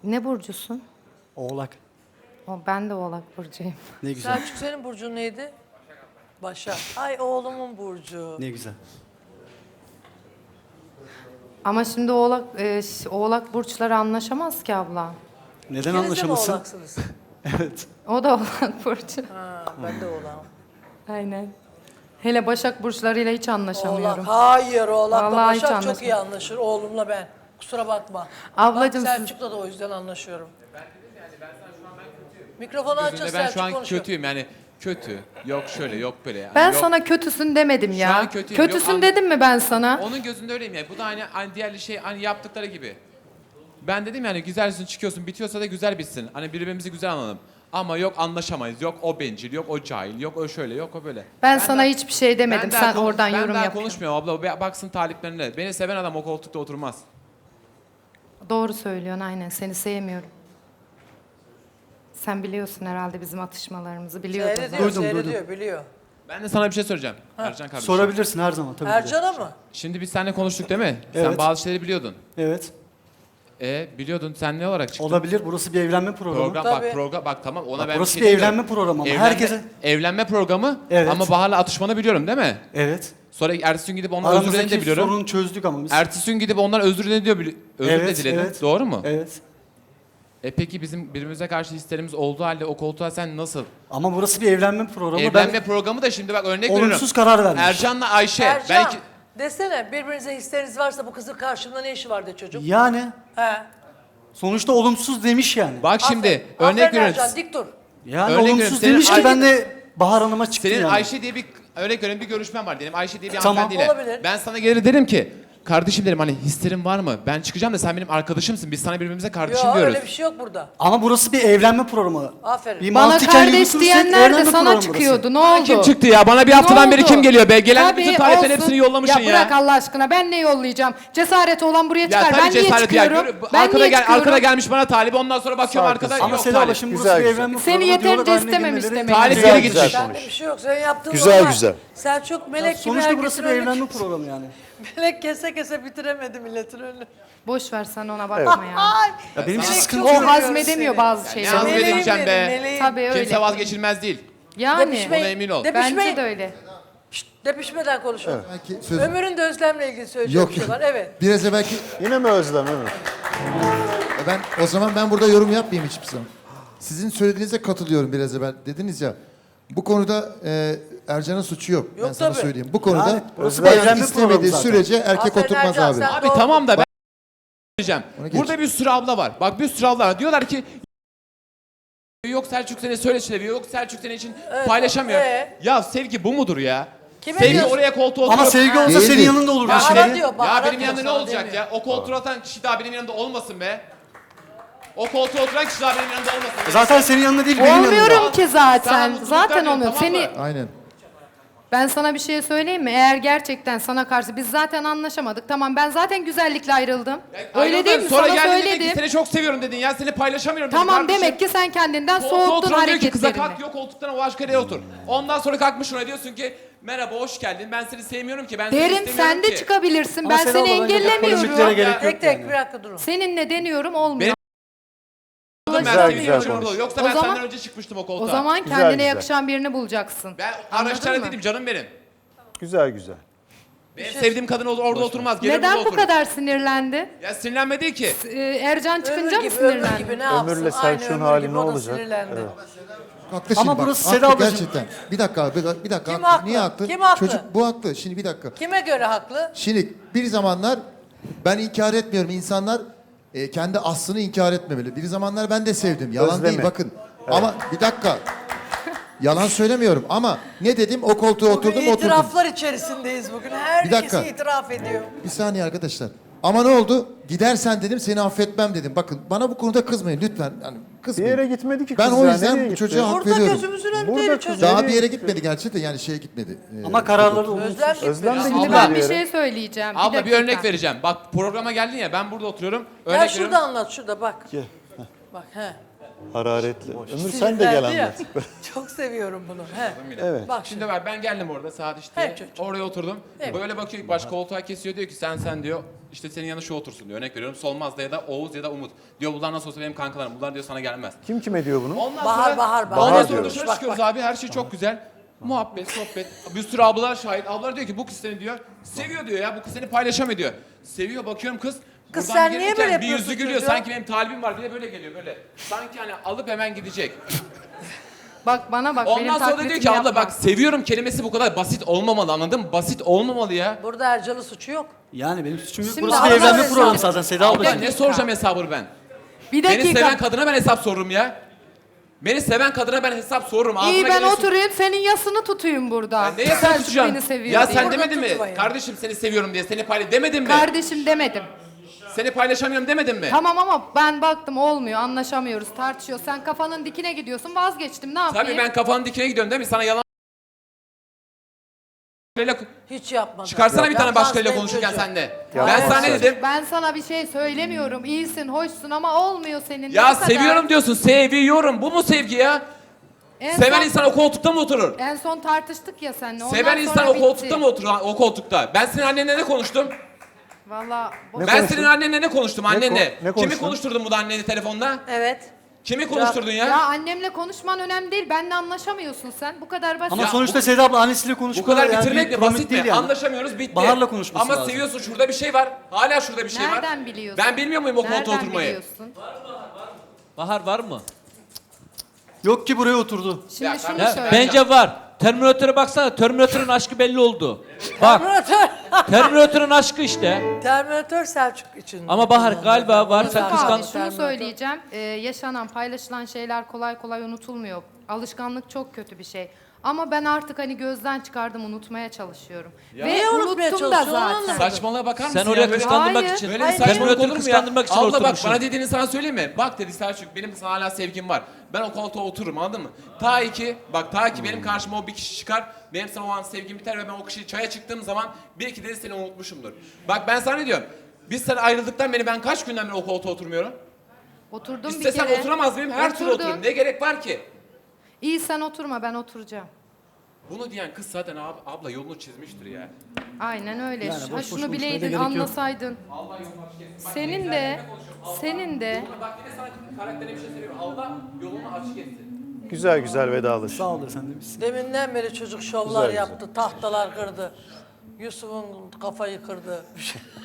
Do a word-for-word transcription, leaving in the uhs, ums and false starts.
Ne burcusun? Oğlak. O, ben de Oğlak burcuyum. Ne güzel. Selçuk senin burcun neydi? Başak. Ay oğlumun burcu. Ne güzel. Ama şimdi Oğlak e, ş- Oğlak burçları anlaşamaz ki abla. Neden İkiniz de mi anlaşamasın? oğlaksınız? Evet. O da Oğlak burcu. Ha, ben de oğlağım. Aynen. Hele Başak burçlarıyla hiç Oğlak. anlaşamıyorum. Hayır oğlakla Vallahi hiç Başak çok anlaşılmıyor. iyi anlaşır. Oğlumla ben. Kusura bakma. Ablacığım Bak, siz- Selçuk'la da o yüzden anlaşıyorum. Mikrofonu açın Gözünde ben Selçuk şu an konuşuyor. kötüyüm yani kötü. Yok şöyle yok böyle. Yani Ben yok. sana kötüsün demedim Şu ya. an kötüyüm, yok Kötüsün an- dedim mi ben sana? Onun gözünde öyleyim ya. Bu da aynı, aynı diğer şey hani yaptıkları gibi. Ben dedim yani güzelsin çıkıyorsun bitiyorsa da güzel bitsin. Hani birbirimizi güzel anlayalım. Ama yok anlaşamayız. Yok o bencil, yok o cahil, yok o şöyle, yok o böyle. Ben sana daha- hiçbir şey demedim. daha Sen konuş- oradan ben yorum daha yapıyorsun. konuşmuyorum abla. Be- Baksın taliplerine. Beni seven adam o koltukta oturmaz. Doğru söylüyorsun aynen. Seni sevmiyorum. Sen biliyorsun herhalde bizim atışmalarımızı. Biliyordun. Seyrediyor, Duydum, seyrediyor, biliyor. Ben de sana bir şey soracağım. Ercan kardeşim. Sorabilirsin her zaman tabii ki de. Ercan'a mı? Şimdi biz seninle konuştuk değil mi? Sen Evet. bazı şeyleri biliyordun. Evet. E biliyordun sen ne olarak çıktın? Olabilir. Burası bir evlenme programı. Program Tabii. bak program bak tamam ona Bak, ben burası bir bir şey evlenme demiyorum. programı ama Evlenme, herkese- evlenme programı Evet. ama Bahar'la atışmanı biliyorum değil mi? Evet. Sonra ertesi gün gidip ondan özür dilediğini de Aramızdaki biliyorum. sorunu çözdük ama biz. Ertesi gün gidip ondan özür diledi diyor. bili- Özür de Evet, diledin. evet. Doğru mu? Evet. E peki bizim birbirimize karşı hislerimiz olduğu halde o koltuğa sen nasıl? Ama burası bir evlenme programı. Evlenme ben programı da şimdi bak örnek olumsuz veriyorum. karar vermiş. Ercan'la Ayşe. Ercan, Belki desene birbirinize hisleriniz varsa bu kızın karşımda ne işi var de çocuk. Yani He. sonuçta olumsuz demiş yani. bak şimdi Aferin, örnek aferin veriyorum. Ercan, dik dur. Yani Örnek olumsuz veriyorum, senin demiş ki Ay- ben de Bahar Hanım'a çıktım Senin yani. Ayşe diye bir örnek veriyorum bir görüşmen var diyelim. Ayşe diye bir Tamam. hanımefendiyle. Olabilir. Ben sana gelir derim ki kardeşim derim hani hislerin var mı? Ben çıkacağım da sen benim arkadaşımsın. Biz sana birbirimize kardeşim Yok diyoruz. öyle bir şey yok burada. Ama burası bir evlenme programı. Aferin. Bir Bana mantıken kardeş yürütürsek diyenler de evlenme sana programı burası. çıkıyordu. Ne Bana oldu? kim çıktı ya? Bana bir haftadan Ne beri oldu? kim geliyor be? Gelen Tabii, bütün taliplerin olsun. hepsini yollamışsın ya. Ya bırak Allah aşkına ben ne yollayacağım? Cesareti olan buraya Ya çıkar. tabii Ben niye cesareti ya. çıkıyorum? Görü- Ben arkada, niye gel, çıkıyorum? arkada gelmiş bana talibi ondan sonra bakıyorum arkada Ama yok Seda talip. şimdi burası Güzel, bir güzel. evlenme Seni programı. yeterince diyorlar, haline istememiş girmeleri- demek. Talip Güzel, geri güzel gitmiş. konuş. Bende bir şey yok. Senin yaptığın Güzel, normal. güzel. Selçuk melek gibi Sonuçta herkesin burası bir önüne- evlenme programı yani. Melek kese kese bitiremedi milletin önünü. Boş ver sen ona bakma ya. Ay. Ya benim için Melek sıkıntı çok yok. O seviyorum hazmedemiyor seni. bazı ne şeyleri. hazmedeyim? Meleğim Edemeyeceğim benim, be. meleğim. Tabii öyle. Kimse vazgeçilmez değil. Yani Depişmeyin. Ona emin ol. Depişmeyin. bence de öyle. Şşt, depişmeden konuşun. Belki söz... Ömür'ün de Özlem'le ilgili söyleyeceğim Yok. bir şey var. Evet. Biraz evvelki... Yine mi Özlem? Evet. E Ben, o zaman ben burada yorum yapmayayım hiçbir zaman. Sizin söylediğinize katılıyorum biraz evvel. Dediniz ya, bu konuda e, Ercan'ın suçu yok. ben Yok sana tabii. söyleyeyim. Bu konuda Yani burası bayan bir evlenme programı istemediği zaten. sürece erkek Aferin oturmaz Ercan, abi. sen- Abi Doğru. tamam da ben diyeceğim. Ona geç. Burada bir sürü abla var. Bak bir sürü abla var. Diyorlar ki yok Selçuk seni söyle seviyor. Yok Selçuk senin için paylaşamıyor. ee? Ya sevgi bu mudur ya? Kime Sevgi diyorsun? oraya koltuğa oturup... Ama sevgi olsa Değil, senin değil. yanında olur. Ya, şimdi. Bahara diyor, ya Bahara benim diyor, yanımda ne sana olacak demiyor. ya? O koltuğa oturan kişi daha benim yanımda olmasın be. O koltuğa oturan kişi daha benim yanımda olmasın. be. Zaten senin yanında değil benim yanımda. Olmuyorum ki Sana zaten. mutluluklar Zaten diyorum, olmuyor. tamam mı? Seni Aynen. ben sana bir şey söyleyeyim mi? Eğer gerçekten sana karşı biz zaten anlaşamadık. Tamam ben zaten güzellikle ayrıldım. Öyle Ayrıldın, değil mi? sonra Sana geldin dedin ki söyledim. seni çok seviyorum dedin ya seni paylaşamıyorum dedin Tamam kardeşim. demek ki sen kendinden Koltuğa soğuttun oturan diyor ki kıza hareketlerini. kalk yok koltuktan o başka yere otur. Ondan sonra kalkmış ona diyorsun ki merhaba hoş geldin ben seni sevmiyorum ki ben seni Derim istemiyorum sen de ki. çıkabilirsin. Ama Ben Seda seni abla bence polemiklere engellemiyorum. gerek yok Tek tek yani. bir dakika durun. Seninle deniyorum olmuyor. Benim- Ben Güzel, seni güzel seviyorum. konuş. Yoksa O ben zaman- senden önce çıkmıştım o koltuğa. O zaman Güzel, kendine güzel. yakışan birini bulacaksın. Ben Anladın araçlara mı? değilim canım benim. Güzel güzel. Benim sevdiğim kadın olur, orada oturmaz. Gelir Neden burada bu oturur. kadar sinirlendi? Ya sinirlenme değil ki. Ee, Ercan çıkınca Ömür mı gibi, ömür sinirlendi? gibi ne yapsın? Ömürle Aynı Selçuk'un ömür hali gibi ne o da olacak? sinirlendi. Evet. Haklı Ama şimdi bak. burası haklı Seda ablacığım. gerçekten. Bir dakika abi, bir dakika. Kim haklı. haklı? Niye haklı? Kim haklı? Çocuk bu haklı. Şimdi bir dakika. Kime göre haklı? Şimdi bir zamanlar ben inkar etmiyorum. İnsanlar e, kendi aslını inkar etmemeli. Bir zamanlar ben de sevdim. Yalan Özlemi. değil bakın. Ama bir dakika. Yalan söylemiyorum ama ne dedim o koltuğa Bugün oturdum oturdum. itiraflar içerisindeyiz bugün. Herkes dakika. itiraf ediyor. Bir saniye arkadaşlar. Ama ne oldu? Gidersen dedim seni affetmem dedim. Bakın bana bu konuda kızmayın lütfen. Yani Bir kızmayın. yere gitmedi ki Ben kız o ya, yüzden nereye bu gitti? çocuğa hak Burada veriyorum. gözümüzün Burada önünde kız- çocuk. Daha Nereye bir yere gitti? gitmedi gerçi de yani şeye gitmedi. Ee, Ama kararları olumsuz. Özlem gitmedi. Özlem de Ama gitti Şimdi bir ben bir yere. şey söyleyeceğim. Abla bir dakika. örnek vereceğim. Bak programa geldin ya ben burada oturuyorum. Örnek Gel veriyorum. şurada anlat şurada bak. Gel. Bak he. Hararetli. Ömür sen de gel Sinirlendi ya. anlat. Çok seviyorum bunu. He. Evet. Bak şimdi. Şimdi ben, ben geldim orada saat işte Evet, çocuğum. oraya oturdum. Evet. Böyle bakıyor ilk baş koltuğa kesiyor diyor ki sen sen diyor işte senin yanına şu otursun diyor. Örnek veriyorum Solmaz'da ya da Oğuz ya da Umut. Diyor bunlar nasıl olsa benim kankalarım. Bunlar diyor sana gelmez. Kim kime diyor bunu? Ondan Bahar, sonra, bahar, bahar. Ondan Bahar sonra diyoruz. dışarı Bak, çıkıyoruz bak. abi her şey çok güzel. Muhabbet, sohbet. Bir sürü ablalar şahit. Ablalar diyor ki bu kız seni diyor seviyor diyor ya bu kız seni paylaşamıyor diyor. Seviyor bakıyorum kız. Kız buradan sen bir niye gelirken böyle bir yapıyorsun yüzü gülüyor. çocuğa? Sanki benim talibim var. Bir de böyle geliyor böyle. Sanki hani alıp hemen gidecek. Bak bana bak benim Ondan sonra da diyor taklitimi ki abla yapma. bak seviyorum kelimesi bu kadar basit olmamalı anladın mı? Basit olmamalı ya. Burada Ercan'ın suçu yok. Yani benim suçum yok. Şimdi Burası bir Allah evlenme razı programı olsun. zaten Seda Ya ablacığım. ne soracağım hesabını ben? Bir Beni dakika. seven kadına ben hesap sorurum ya. Beni seven kadına ben hesap sorurum. Ağzıma İyi ben geliyorsun- oturayım senin yasını tutayım burada. Ben neye sen Selçuk tutacaksın? beni seviyor Ya diye. sen Burada demedin mi? tutmayın. Kardeşim seni seviyorum diye seni paylaş demedin mi? Kardeşim demedim. Seni paylaşamıyorum demedin mi? Tamam ama ben baktım olmuyor, anlaşamıyoruz, tartışıyoruz. Sen kafanın dikine gidiyorsun, vazgeçtim. Ne yapayım? Tabii ben kafanın dikine gidiyorum değil mi? Sana yalan Hiç yapmadı. çıkarsana bir tane Yapmaz başkayla benim konuşurken çocuğum. sen de. Ya Ben ben sana ne sen- dedim? Ben sana bir şey söylemiyorum. İyisin, hoşsun ama olmuyor senin. Ya Ne kadar? seviyorum diyorsun. Seviyorum. Bu mu sevgi ya? En Seven son, insan o koltukta mı oturur? En son tartıştık ya seninle. ondan Seven insan sonra o bitti. koltukta mı oturur? O koltukta. Ben senin annenle ne konuştum? Valla bu- Ne ben konuştun? senin annenle ne konuştum annenle? ko- ne Kimi konuştun? konuşturdun bu da anneni telefonda? Evet. Kimi konuşturdun ya? ya annemle konuşman önemli değil. Benle anlaşamıyorsun sen. Bu kadar basit. Ama Ya sonuçta Seda abla annesiyle Bu konuşmuyor. kadar yani bitirmek bir de komik basit değil mi? yani. Anlaşamıyoruz bitti. Bahar'la konuşması Ama lazım. seviyorsun şurada bir şey var. Hala şurada bir şey var. Nereden biliyorsun? Ben bilmiyor muyum o koltuğa Nereden oturmayı? biliyorsun? Bahar var mı? Yok ki buraya oturdu. Şimdi Ya şunu ben- söyle. Bence var. Terminatöre baksana. Terminatörün aşkı belli oldu. Bak. Terminatör. Terminatörün aşkı işte. Terminatör Selçuk için. Ama Bahar galiba var. Sen Mustafa abi kıskan... şunu Terminatör. söyleyeceğim. Ee, yaşanan, paylaşılan şeyler kolay kolay unutulmuyor. Alışkanlık çok kötü bir şey. Ama ben artık hani gözden çıkardım, unutmaya çalışıyorum. Ve Niye unutmaya unuttum da çalışıyorsun? Onu zaten. anlamadım. Saçmalığa bakar mısın Sen ya? oraya Böyle- kıskandırmak Hayır. için. Böyle bir Hayır, saçmalık Terminatörü olur mu ya? kıskandırmak için Abla bak oturmuşsun. bana dediğini sana söyleyeyim mi? Bak dedi Selçuk benim sana hala sevgim var. Ben o koltuğa otururum anladın mı? Ta ki bak ta ki benim karşıma o bir kişi çıkar. Benim sana o an sevgim biter ve ben o kişiyi çaya çıktığım zaman bir iki dedi seni unutmuşumdur. Bak ben sana ne diyorum? Biz sen ayrıldıktan beri ben kaç günden beri o koltuğa oturmuyorum? Oturdum bir İstesem kere. oturamaz mıyım? Her türlü Oturdum. otururum. Ne gerek var ki? İyi sen oturma, ben oturacağım. Bunu diyen kız zaten ab- abla yolunu çizmiştir ya. Aynen öyle. Yani ha, boş boş şunu konuşmaya da bileydin, gerek yok. anlasaydın. Senin de, senin de Bak yine sana karakterine bir şey söylüyorum. Allah yolunu açık etsin. Güzel güzel vedalaş. Sağ ol efendim. Deminden beri çocuk şovlar Güzel, güzel. yaptı. Tahtalar kırdı. Yusuf'un kafayı kırdı.